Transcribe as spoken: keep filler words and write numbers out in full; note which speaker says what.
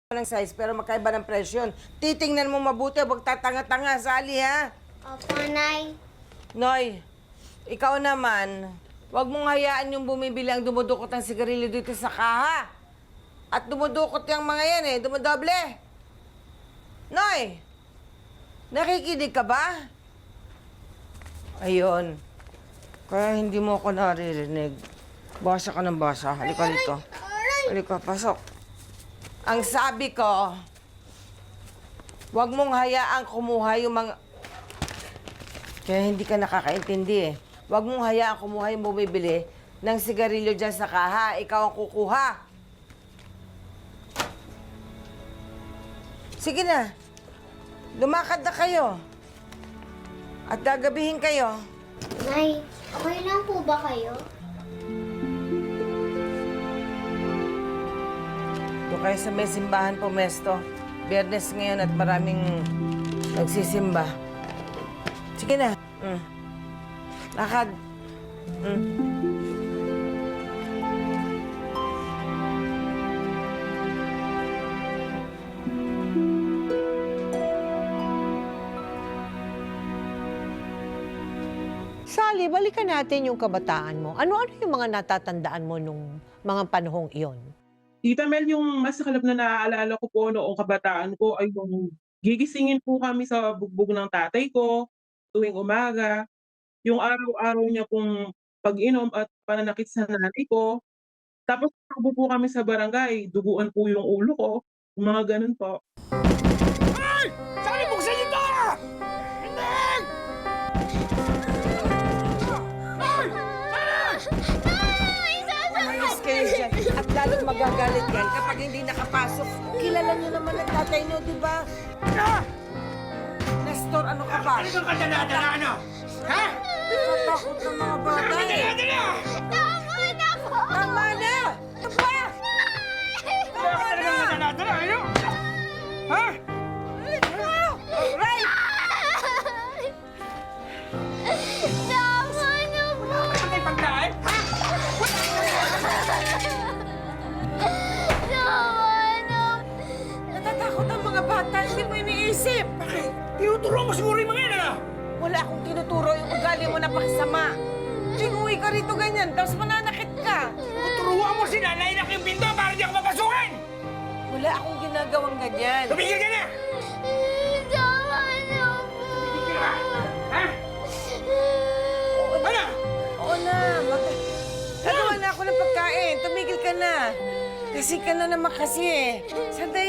Speaker 1: ng size pero magkaiba ng presyo yun. Titingnan mo mabuti, huwag tatanga-tanga, Sally, ha?
Speaker 2: Opo, Nay.
Speaker 1: Noy, ikaw naman, huwag mong hayaan yung bumibili ang dumudukot ng sigarilyo dito sa kaha. At dumudukot yung mga yan eh, dumudoble. Noy, nakikinig ka ba? Ayun. Kaya hindi mo ako naririnig. Basa ka ng basa. Halika rito. Halika, pasok. Ang sabi ko, huwag mong hayaang kumuha yung mga... Kaya hindi ka nakakaintindi eh. Huwag mong hayaang kumuha yung bumibili ng sigarilyo dyan sa kaha. Ikaw ang kukuha. Sige na. Lumakad na kayo. At gagabihin kayo.
Speaker 2: Nay, okay lang po ba kayo?
Speaker 1: Doon kayo sa may simbahan po, Mesto. Biyernes ngayon at maraming nagsisimba. Sige na. Mm. Lakad. Mm.
Speaker 3: Sally, balikan natin yung kabataan mo. Ano-ano yung mga natatandaan mo nung mga panahong iyon?
Speaker 4: Tita Mel, yung masakalap na naaalala ko po noong kabataan ko ay yung gigisingin po kami sa bugbog ng tatay ko tuwing umaga. Yung araw-araw niya pong pag-inom at pananakit sa nanay ko. Tapos takbo po kami sa barangay, duguan po yung ulo ko, yung mga gano'n po.
Speaker 5: Ay! Sali, buksan niyo to! Hindi! Ay!
Speaker 1: Umayos kayo dyan. At lalong magagalit yan kapag hindi nakapasok. Kilala niyo naman ang tatay niyo, di ba?
Speaker 5: Ah!
Speaker 1: Nestor, ano ka ba?
Speaker 5: Ano kang kadala-dala, ano? Ha?
Speaker 1: Natatakot ng mga bata eh.
Speaker 5: Kadala-dala!
Speaker 2: Tama na po!
Speaker 1: Tama na! Ito ba?
Speaker 5: Wala ka talagang kadala-dala, ano? Ha?
Speaker 1: Right!
Speaker 2: Tama na po!
Speaker 5: Wala ka tayong pagkain? Ha?
Speaker 2: Tama na!
Speaker 1: Natatakot ang mga bata. Hindi mo iniisip.
Speaker 5: Bakit? Tinuturo mo siguro yung mga yan, ano?
Speaker 1: Wala akong tinuturo yung ugali mo na pakisama. Tinguwi ka rito ganyan, tapos mananakit ka.
Speaker 5: Turuan mo si nanay na yung pinto para di ako mapasukin!
Speaker 1: Wala akong ginagawang ganyan.
Speaker 5: Tumigil ka na!
Speaker 2: Tama na po!
Speaker 5: Tumigil ka! Ha? Ano?
Speaker 1: Oo na, mag... Nagawa na ako ng pagkain. Tumigil ka na. Kasi ka na naman kasi eh. Sandali.